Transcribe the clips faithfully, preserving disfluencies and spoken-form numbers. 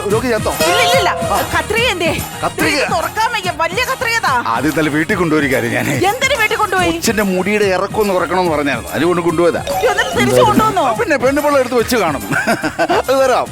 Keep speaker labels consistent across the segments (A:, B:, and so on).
A: രോഗി ചത്തോ?
B: ഇല്ല കത്രിക എന്തേ?
A: കത്രിക
B: തുറക്കാൻ വയ്യ, വലിയ കത്രികതാ.
A: ആദ്യം തന്നെ വീട്ടിൽ കൊണ്ടുപോയി കാര്യം ഞാൻ
B: എന്തിനു വീട്ടിൽ കൊണ്ടുപോയി?
A: കൊച്ചിന്റെ മുടിയുടെ ഇറക്കം ഒന്ന് കുറക്കണമെന്ന് പറഞ്ഞായിരുന്നു, അതുകൊണ്ട് കൊണ്ടുപോയതാ.
B: തിരിച്ചു കൊണ്ടുവന്നോ?
A: പിന്നെ പെണ്ണുപിള്ള എടുത്ത് വെച്ച് കാണും. അത് തരാം.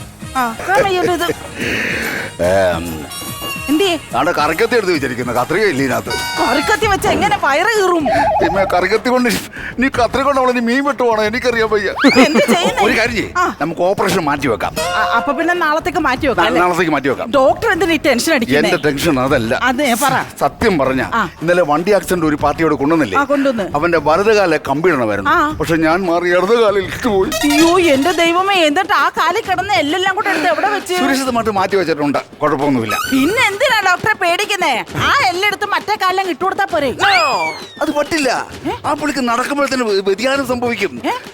A: അവിടെ കറിക്കത്തി എടുത്ത് വെച്ചിരിക്കുന്ന കത്രിക ഇല്ല ഇതിനകത്ത്.
B: കറിക്കത്തി വെച്ച എങ്ങനെ വയറ് കീറും?
A: പിന്നെ കറിക്കത്തി കൊണ്ട് നീ കത്രിക കൊണ്ട് അവളെ നീ മീൻ വെട്ടുവാണോ? എനിക്കറിയാൻ വയ്യ. ഒരു കാര്യം ചെയ്യ്, നമുക്ക് ഓപ്പറേഷൻ മാറ്റി വെക്കാം.
B: അപ്പൊ പിന്നെ നാളത്തേക്ക് മാറ്റി വെക്കാം.
A: നാളത്തേക്ക് മാറ്റി വെക്കാം.
B: ഡോക്ടർ എന്തിനാ ഈ ടെൻഷൻ അടിക്കുന്നത്?
A: എന്റെ ടെൻഷൻ അതല്ല.
B: അതെ പറ.
A: സത്യം പറഞ്ഞ ഇന്നലെ വണ്ടി ആക്സിഡന്റ് ഒരു പാർട്ടിയോട് കൊണ്ടുവന്നില്ലേ?
B: കൊണ്ടുവന്ന്
A: അവന്റെ വലതുകാലെ കമ്പിടണമായിരുന്നു. പക്ഷെ ഞാൻ മാറി ഇടതുകാലിൽ പോയി.
B: അയ്യോ എന്റെ ദൈവമേ, എന്നിട്ട് ആ കാലിൽ കിടന്ന് എല്ലെല്ലാം കൂടെ എടുത്ത് എവിടെ വെച്ച്?
A: സുരക്ഷിതമായിട്ട് മാറ്റി വെച്ചിട്ടുണ്ട്, കുഴപ്പമൊന്നുമില്ല.
B: പിന്നെ എന്തിനാ ഡോക്ടറെ പേടിക്കുന്നേ? ആ എല്ലെടുത്ത് മറ്റേ കാലം ഇട്ടുകൊടുത്താ പോരെ?
A: അത് പറ്റില്ല. ആ പുള്ളിക്ക് നടക്കുമ്പോഴത്തേന് വ്യതിയാനം സംഭവിക്കും.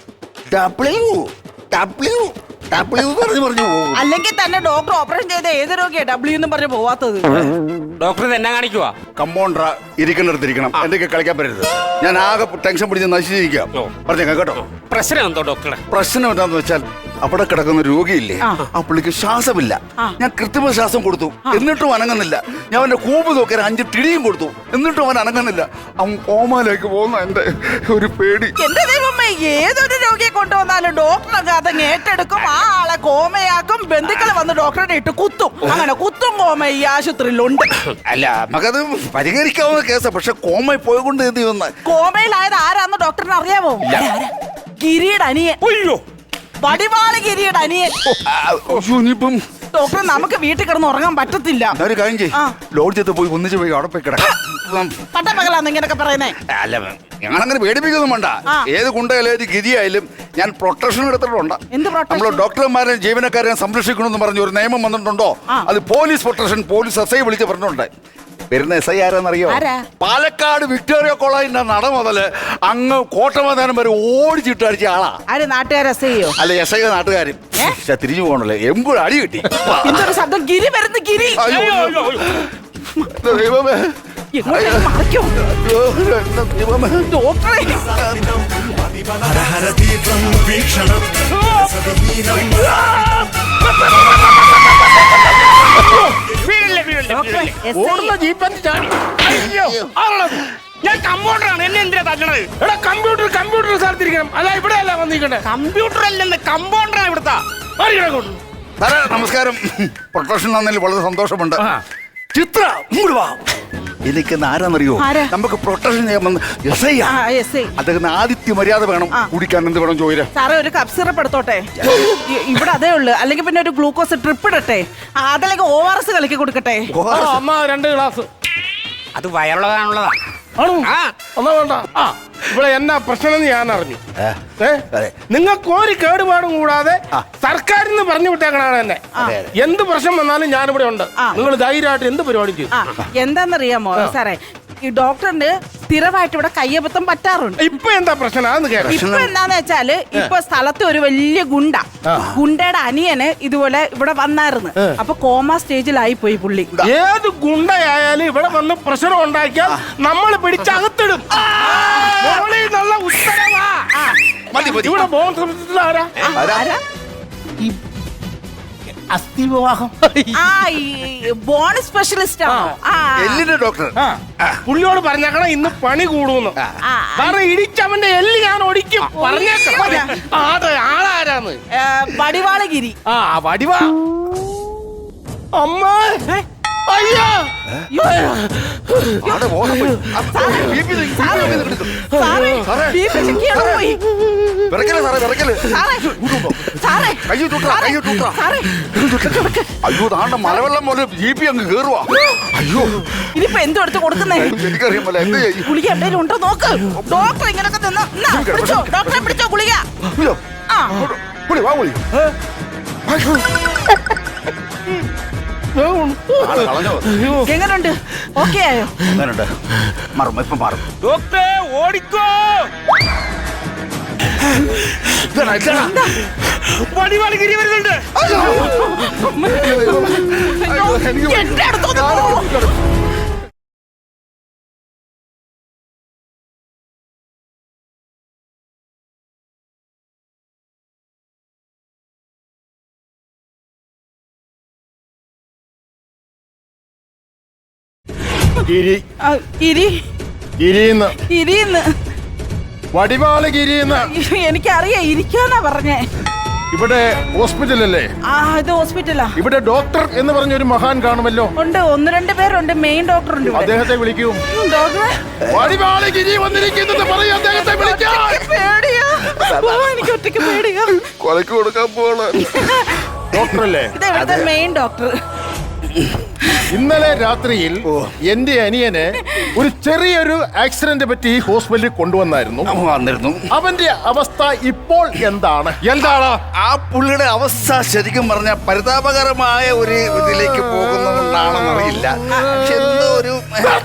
B: അല്ലെങ്കിൽ തന്നെ ഡോക്ടർ ഓപ്പറേഷൻ ചെയ്ത ഏത് രോഗിയാ ഡബ്ല്യൂ എന്നും പറഞ്ഞ് പോവാത്തത്?
C: ഡോക്ടർ എന്നാ കാണിക്കുവാ?
A: കമ്പൗണ്ടർ ഇരിക്കുന്നിടത്തിരിക്കണം, എന്റെ കളിക്കാൻ പറ്റരുത്. ഞാൻ ആകെ ടെൻഷൻ പിടിച്ച് നശിച്ചിരിക്കാം. പറഞ്ഞേക്കാം കേട്ടോ.
C: പ്രശ്നം എന്തോ ഡോക്ടറെ?
A: പ്രശ്നം എന്താന്ന് വെച്ചാൽ അവിടെ കിടക്കുന്ന രോഗിയില്ലേ, ആ പുള്ളിക്ക് ശ്വാസമില്ല. ഞാൻ കൃത്രിമ ശ്വാസം കൊടുത്തു, എന്നിട്ടും അനങ്ങുന്നില്ല. ഞാൻ അവന്റെ കൂമ്പ് നോക്കിയാൽ അഞ്ച് തിടിയും കൊടുത്തു, എന്നിട്ടും അവൻ അനങ്ങുന്നില്ല. അവൻ കോമയിലേക്ക് പോകുന്ന എന്റെ ഒരു പേടി.
B: എന്റെ ദൈവമേ, ഏതൊരു രോഗിയെ കൊണ്ടുവന്നാലും ഡോക്ടറൊക്കെ അതങ്ങ് ഏറ്റെടുക്കും. ആ ആളെ കോമയാക്കും. ബന്ധുക്കൾ വന്ന് ഡോക്ടറെ ഇട്ട് കുത്തും. അങ്ങനെ കുത്തും കോമ ഈ ആശുപത്രിയിലുണ്ട്.
A: അല്ല, നമുക്കത് പരിഹരിക്കാവുന്ന കേസാ. പക്ഷെ കോമയിൽ പോയിക്കൊണ്ട് എന്ത് ചെയ്യുന്ന?
B: കോമയിലായത് ആരാന്ന് ഡോക്ടറിന് അറിയാമോ? ഗിരിയുടെ അനിയൻ.
C: അയ്യോ,
B: വടിവാള് ഗിരിയുടെ അനിയൻ. ഡോക്ടർ, നമുക്ക് വീട്ടിൽ കിടന്ന് ഉറങ്ങാൻ പറ്റത്തില്ല.
A: ഒരു കാര്യം ചെയ്യ്, ലോഡ്ജത്ത് പോയി ഒന്നിച്ച് പോയി അവിടെ പോയി കിടക്കാം.
B: പട്ടപ്പകലാന്ന് ഇങ്ങനൊക്കെ പറയുന്നേ?
A: അല്ല, ഞങ്ങളങ്ങനെ പേടിപ്പിക്കൊന്നും വേണ്ട. ഏത് ഗുണ്ടയാലും ഏത് ഗിരിയായാലും ഞാൻ പ്രൊട്ടക്ഷൻ എടുത്തിട്ടുണ്ട്. നമ്മൾ ഡോക്ടർമാരെ ജീവനക്കാരെ സംരക്ഷിക്കണമെന്ന് പറഞ്ഞ ഒരു നിയമം വന്നിട്ടുണ്ടോ? അത് police protection. Police S I വിളിച്ച് പറഞ്ഞിട്ടുണ്ട്. വരുന്ന എസ് ഐ ആരാന്നറിയോ? പാലക്കാട് വിക്ടോറിയ കോളേജിന്റെ നട മുതല് അങ്ങ് കോട്ടമൈതാനം വരെ ഓടിച്ചിട്ടടിച്ച ആളാ.
B: ആര്? നാട്ടുകാർ എസ് ഐയോ?
A: അല്ല, എസ് ഐ നാട്ടുകാരും. തിരിഞ്ഞു പോകണല്ലേ, എമ്പുഴ അടി കിട്ടി.
B: ശബ്ദം ഗിരി വരുന്നു. ഗിരി
A: ദൈവമേ,
B: ഡോക്ടറെ
C: ഞാൻ കമ്പ്യൂട്ടറാണ്. എന്നെ എന്തിനാ തല്ലണത്?
D: എടാ, കമ്പ്യൂട്ടർ കമ്പ്യൂട്ടർ സ്ഥലത്തിരിക്കണം. അല്ല, ഇവിടെ അല്ല വന്നിരിക്കണ്ടേ.
C: കമ്പ്യൂട്ടർ അല്ലെന്ന്, കമ്പൗണ്ടറാണ് ഇവിടുത്തെ.
A: സാറേ നമസ്കാരം. പ്രൊട്ടക്ഷൻ തന്നതിൽ വളരെ സന്തോഷമുണ്ട്. ചിത്ര ഇങ്ങോട്ട് വാ. എനിക്ക് ആരാന്നറിയോ? നമുക്ക് പ്രൊട്ടക്ഷൻ ചെയ്യാൻ എസ് ഐ. അദ്ദേഹത്തിന് ആദിത്യ മര്യാദ വേണം. കുടിക്കാൻ എന്ത് വേണം ചോദിച്ചാ?
B: സാറേ, ഒരു കപ്പ് സിറപ്പ് എടുത്തോട്ടെ? ഇവിടെ അതേ ഉള്ളു. അല്ലെങ്കിൽ പിന്നെ ഒരു ഗ്ലൂക്കോസ് ട്രിപ്പ് ഇടട്ടെ? അതല്ലെങ്കിൽ ഓ ആർ എസ് കലക്കി കൊടുക്കട്ടെ?
D: അമ്മ രണ്ട് ഗ്ലാസ്.
C: അത് വയറുള്ളതാണുള്ളതാ.
D: ആണോ? ഒന്നാ വേണ്ട. ആ, ഇവിടെ എന്നാ പ്രശ്നം ഞാൻ അറിഞ്ഞു. നിങ്ങൾക്ക് ഒരു കേടുപാടും കൂടാതെ സർക്കാരിൽ നിന്ന് പറഞ്ഞു വിട്ടേക്കണാണ് എന്നെ. എന്ത് പ്രശ്നം വന്നാലും ഞാനിവിടെ ഉണ്ട്. നിങ്ങൾ ധൈര്യമായിട്ട് എന്ത് പരിപാടി ചെയ്യും.
B: എന്താന്നറിയാമോ സാറേ, ഈ ഡോക്ടറിന് സ്ഥിരമായിട്ട് ഇവിടെ കയ്യബദ്ധം പറ്റാറുണ്ട്.
D: ഇപ്പൊ എന്താ പ്രശ്നം?
B: ഇപ്പൊ എന്താന്ന് വെച്ചാല്, ഇപ്പൊ സ്ഥലത്ത് ഒരു വലിയ ഗുണ്ട, ഗുണ്ടയുടെ അനിയന് ഇതുപോലെ ഇവിടെ വന്നായിരുന്നു. അപ്പൊ കോമ സ്റ്റേജിലായി പോയി പുള്ളി.
D: ഏത് ഗുണ്ടയായാലും ഇവിടെ വന്ന് പ്രശ്നം ഉണ്ടാക്കിയാൽ നമ്മൾ പിടിച്ചകത്തിടും. നല്ല ഉത്തരവാ. ഇവിടെ
B: ആരാ?
D: അസ്ഥി വിവാഹം.
B: ബോൺ സ്പെഷ്യലിസ്റ്റ്
D: എല്ലിന്റെ ഡോക്ടർ. പുള്ളിയോട് പറഞ്ഞേക്കണം ഇന്ന് പണി കൂടുന്നു. കാരണം ഇടിച്ചവന്റെ എല്ല് ഞാൻ ഒടിക്കും. പറഞ്ഞേക്കണം. അതെ, ആളാരാന്ന്?
B: വടിവാളഗിരി.
D: ആ, വടിവാ. അമ്മ, അയ്യോ,
A: അയ്യോ, താണ്ട മലവെള്ളം പോലെ ജി പി അങ്ങ് കേറുവാ. അയ്യോ,
B: ഇനിയിപ്പോ എന്തോ എടുത്ത് കൊടുക്കുന്നേ?
A: എനിക്കറിയാൻ പോലെ. എന്ത് ചെയ്യും?
B: ഗുളിക എവിടെയും ഉണ്ടോ നോക്ക്. ഡോക്ടർ ഇങ്ങനൊക്കെ പിടിച്ചോ. ഡോക്ടറെ പിടിച്ചോ. ഗുളിക എങ്ങനുണ്ട്? ഓക്കെ ആയോ?
A: മാറും, ഇപ്പം മാറും.
C: ഡോക്ടറെ ഓടിക്കോ. വടിവാള് ഗിരി വരുന്നുണ്ട്.
B: എന്റെ അടുത്തോട്ട്
D: ഗിരി
B: ആ, ഇരി
D: ഗിരിന്ന്
B: ഇരിന്ന്
D: വടിവാള് ഗിരിന്ന്.
B: എനിക്കറിയാം, ഇരിക്കാന്നാ പറഞ്ഞേ.
D: ഇവിടെ ഹോസ്പിറ്റലല്ലേ?
B: ആ, ഇത് ഹോസ്പിറ്റലാ.
D: ഇവിടെ ഡോക്ടർ എന്ന് പറഞ്ഞൊരു മഹാൻ കാണുമല്ലോ.
B: ഉണ്ട്, ഒന്ന് രണ്ട് പേരുണ്ട്. മെയിൻ ഡോക്ടർ ഉണ്ട് ഇവിടെ.
D: അദ്ദേഹത്തെ വിളിക്കൂ.
B: ഉം, ഡോക്ടറെ
D: വടിവാള് ഗിരി വന്നിരിക്കുന്നത് പറയൂ, അദ്ദേഹത്തെ വിളിക്കാൻ.
B: പേടിയാ. ഓ, എനിക്ക് ഒറ്റയ്ക്ക് പേടിയാ.
A: കൊലക്ക് കൊടുക്കാൻ പോവാണ്.
D: ഡോക്ടറല്ലേ?
B: ഇത് ഇവിടുത്തെ മെയിൻ ഡോക്ടർ.
D: ഇന്നലെ രാത്രിയിൽ എന്റെ അനിയനെ ഒരു ചെറിയൊരു ആക്സിഡന്റ് പറ്റി ഈ ഹോസ്പിറ്റലിൽ കൊണ്ടുവന്നായിരുന്നു.
A: വന്നിരുന്നു.
D: അവന്റെ അവസ്ഥ ഇപ്പോൾ എന്താണ്? എന്താണ്
A: ആ പുള്ളിയുടെ അവസ്ഥ ശരിക്കും പറഞ്ഞ പരിതാപകരമായ ഒരു ഇതിലേക്ക് പോകുന്നതുകൊണ്ടാണെന്നറിയില്ല. പക്ഷെ എന്തോ ഒരു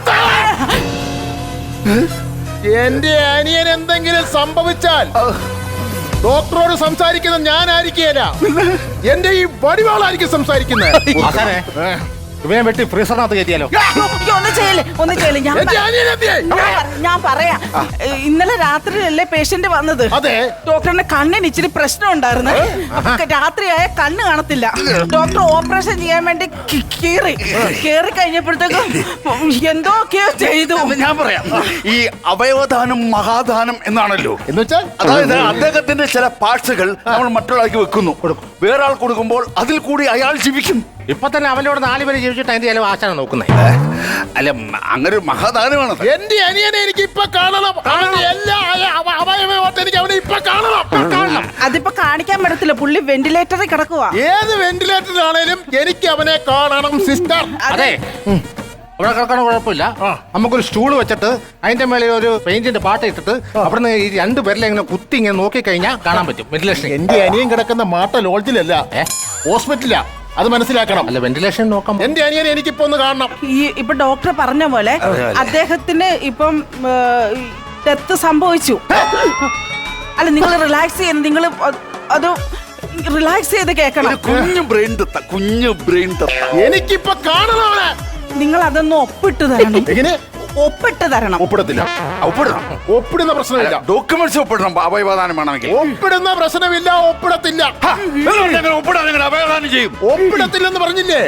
D: എന്റെ അനിയൻ എന്തെങ്കിലും സംഭവിച്ചാൽ ഡോക്ടറോട് സംസാരിക്കുന്നത് ഞാനായിരിക്കില്ല, എന്റെ ഈ വടിവാളായിരിക്കും സംസാരിക്കുന്നത്.
C: ഇവനെ വെട്ടി ഫ്രീസറിനകത്ത് കയറ്റിയാലോ?
B: അയ്യോ, ഒന്ന് ചെയ്യല്ലേ, ഒന്ന് ചെയ്യല്ലേ. ഞാൻ
D: എന്റെ അനിയൻ എന്തിയെ?
B: ഞാൻ പറ- ഞാൻ പറയാം. ഇന്നലെ രാത്രിയിലല്ലേ പേഷ്യന്റ് വന്നത്?
D: അതെ.
B: ഡോക്ടറിന്റെ കണ്ണിന് ഇച്ചിരി പ്രശ്നം ഉണ്ടായിരുന്നു. രാത്രിയായ കണ്ണ് കാണത്തില്ല. ഡോക്ടർ ഓപ്പറേഷൻ ചെയ്യാൻ വേണ്ടി കി- കീറി കീറി കഴിഞ്ഞപ്പോഴത്തേക്കും എന്തൊക്കെയോ ചെയ്തു.
A: ഞാൻ പറയാം, ഈ അവയവദാനം മഹാദാനം എന്നാണല്ലോ.
D: എന്ന് വെച്ചാൽ
A: അതായത് അദ്ദേഹത്തിന്റെ ചില പാർട്സുകൾ നമ്മൾ മറ്റുള്ളവർക്ക് വെക്കുന്നു, വേറെ ആൾ കൊടുക്കുമ്പോൾ അതിൽ കൂടി അയാൾ ജീവിക്കും.
C: ഇപ്പൊ തന്നെ അവനോട് നാല് പേര് ജീവിച്ചിട്ട് അതിന്റെ ചില ആശാന നോക്കുന്നേ.
A: അല്ല, അങ്ങനെ ഒരു മഹാദാനമാണ്.
D: എന്റെ അനിയനെ എനിക്ക് ഇപ്പൊ കാണണം. അവന്റെ എല്ലാ അവ- അവയവമായിട്ട് എനിക്ക് അവനെ ഇപ്പൊ കാണണം. കാണണം.
B: അതിപ്പോ കാണിക്കാൻ പറ്റത്തില്ല, പുള്ളി വെന്റിലേറ്ററിൽ കിടക്കുവാ.
D: ഏത് വെന്റിലേറ്ററിലാണേലും എനിക്ക് അവനെ കാണണം സിസ്റ്റർ.
C: അതെ, ഇവിടെ കിടക്കണ കുഴപ്പമില്ല. നമുക്കൊരു സ്റ്റൂൾ വെച്ചിട്ട് അതിന്റെ മേലെ ഒരു പെയിന്റിന്റെ പാട്ട് ഇട്ടിട്ട് അവിടുന്ന് ഈ രണ്ട് പേരിലെ ഇങ്ങനെ കുത്തി ഇങ്ങനെ നോക്കി കഴിഞ്ഞാൽ കാണാൻ പറ്റും വെന്റിലേഷൻ.
D: എന്റെ അനിയൻ കിടക്കുന്ന മാട്ട ലോഡ്ജിലല്ല, ഹോസ്പിറ്റലിലാ. അത് മനസ്സിലാക്കണം.
C: അല്ല, വെന്റിലേഷൻ നോക്കാം.
D: എന്റെ അനിയനെ എനിക്കിപ്പോ ഒന്ന് കാണണം.
B: ഈ ഇപ്പൊ ഡോക്ടർ പറഞ്ഞ പോലെ അദ്ദേഹത്തിന് ഇപ്പം ഡെത്ത് സംഭവിച്ചു. അല്ല, നിങ്ങൾ റിലാക്സ് ചെയ്യുന്നത്, നിങ്ങൾ അത് റിലാക്സ് ചെയ്ത് കേൾക്കണം.
A: ഒരു കുഞ്ഞു ബ്രെയിൻ തത്ത, കുഞ്ഞു ബ്രെയിൻ തത്ത.
D: എനിക്കിപ്പൊ കാണണം അവനെ.
B: നിങ്ങൾ അതൊന്ന് ഒപ്പിട്ട് തരണം.
D: എങ്ങനെ?
B: ഒപ്പിട്ട് തരണം.
D: ഒപ്പിടത്തില്ല.
A: ഒപ്പിടണം.
D: ഒപ്പിടുന്ന പ്രശ്നമില്ല.
A: ഡോക്യുമെന്റ്സ് ഒപ്പിടണം അവയവദാനം വേണമെങ്കിൽ.
D: ഒപ്പിടുന്ന പ്രശ്നമില്ല. ഒപ്പിടത്തില്ല.
A: ഒപ്പിടാൻ നിങ്ങൾ അവയവദാനം ചെയ്യും.
D: ഒപ്പിടത്തില്ലെന്ന് പറഞ്ഞില്ലേ?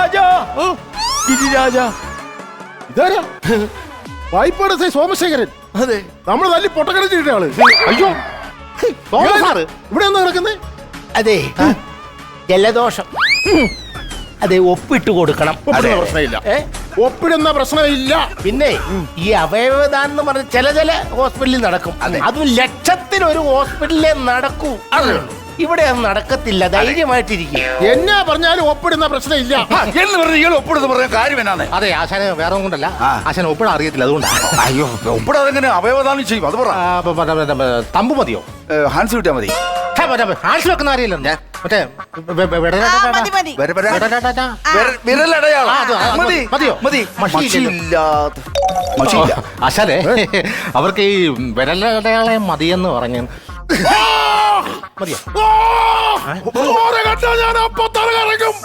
D: ഇതാരാ? വായ്പാട് സൈ സോമശേഖരൻ.
A: അതെ,
D: നമ്മൾ തല്ലി പൊട്ടക്കടച്ചിട്ട ആള്.
C: അയ്യോ,
D: സാറ് ഇവിടെ ഒന്ന് കിടക്കുന്നേ.
E: അതെ, ജലദോഷം. അതെ, ഒപ്പിട്ട് കൊടുക്കണം.
D: ഒപ്പിടുന്ന പ്രശ്നമില്ല.
E: ഏ?
D: ഒപ്പിടുന്ന പ്രശ്നമില്ല.
E: പിന്നെ ഈ അവയവദാനം എന്ന് പറഞ്ഞ ചില ചില ഹോസ്പിറ്റലിൽ നടക്കും. അതും ലക്ഷത്തിനൊരു ഹോസ്പിറ്റലിലെ നടക്കൂ. ഇവിടെ അത് നടക്കത്തില്ല. ധൈര്യമായിട്ടിരിക്കും.
D: എന്നാ പറഞ്ഞാലും ഒപ്പിടുന്ന പ്രശ്നമില്ല
A: എന്ന് പറഞ്ഞ് ഇയാൾ ഒപ്പിടുന്ന പറഞ്ഞ കാര്യം എന്നാണ്?
C: അതെ, ആശാന് വേറെ കൊണ്ടല്ല, ആശാന് ഒപ്പിടാൻ അറിയത്തില്ല, അതുകൊണ്ടാണ്.
A: അയ്യോ, ഒപ്പിടാതെ എങ്ങനെ അവയവദാനം ചെയ്യും? അത് പറ.
C: ആ, പ- പ- പ- പ- തമ്പ് മതിയോ?
A: ഹാൻസ് കിട്ടിയാൽ മതി.
C: ഹാൻഡ്സ് വെക്കുന്ന അറിയില്ല മറ്റേ വെ- വെ- വെട-
B: ആ, മതി, മതി.
A: വരെ, വരെ.
C: വെട- വെട- വെട.
A: വിരൽ- വിരലടയാളം.
C: ആ, അത് അത്
A: മതി.
C: മതിയോ?
A: മതി.
C: മഷിയില്ലല്ലോ.
A: മഷിയില്ലാത്ത മഷിയില്ല.
C: ആശാനെ, അവർക്ക് ഈ വിരലടയാളെ മതിയെന്ന് പറഞ്ഞു. മതിയോ?
D: ഓരെ കണ്ടാ ഞാൻ അപ്പൊ തല കറങ്ങും.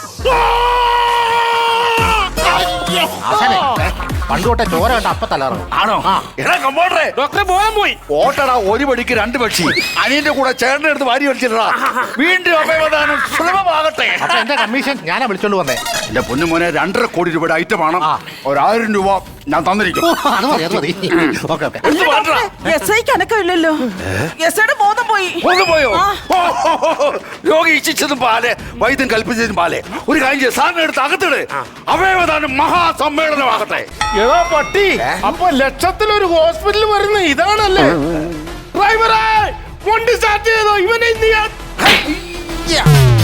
C: ആശാനെ, പണ്ട് തൊട്ടേ ചോര കണ്ട അപ്പ തലറങ്ങും.
A: ആണോ? എടാ കമ്പോണ്ടറെ,
C: ഡോക്ടറെ പോകാൻ പോയി.
A: ഓട്ടടാ, ഒരു പടിക്ക് രണ്ട് പക്ഷി. അനിയന്റെ കൂടെ ചേട്ടന്റെ അടുത്ത് വാരി വലിച്ചിട്ടാ. വീണ്ടും അവയവദാനം സുലഭമാകട്ടെ.
C: അപ്പൊ എന്റെ കമ്മീഷൻ ഞാനാ വിളിച്ചോണ്ട് വന്നേ.
A: എന്റെ പൊന്നു മോനെ, രണ്ടര കോടി രൂപയുടെ ഐറ്റമാണ്.
C: ആ.
A: ഒരായിരം രൂപ ഞാൻ തന്നിരിക്കും.
C: ഓ, അത് മതി, അത് മതി. Okay okay.
A: ഇത് മാറ്റടാ.
B: എസ് ഐക്ക് അനക്കമില്ലല്ലോ. എസ് ഐയുടെ ബോധം പോയി.
A: ഒന്ന് പോയോ?
B: ആ.
A: ഓ, ഓ, ഓ, ഓ. രോഗി ഇച്ഛിച്ചതും പാല്, വൈദ്യം കൽപ്പിച്ചതും പാല്. ഒരു കാര്യം ചെയ്യ, സാറിനെ എടുത്ത് അകത്തിട്. അവയവദാനം മഹാസമ്മേളനമാകട്ടെ.
D: ഏതാ പട്ടി? അപ്പൊ ലക്ഷത്തിലൊരു ഹോസ്പിറ്റൽ വരുന്ന ഇതാണല്ലേ? ഡ്രൈവറെ, വണ്ടി സ്റ്റാർട്ട് ചെയ്തോ? ഇവനെ ഇന്ന് ഞാൻ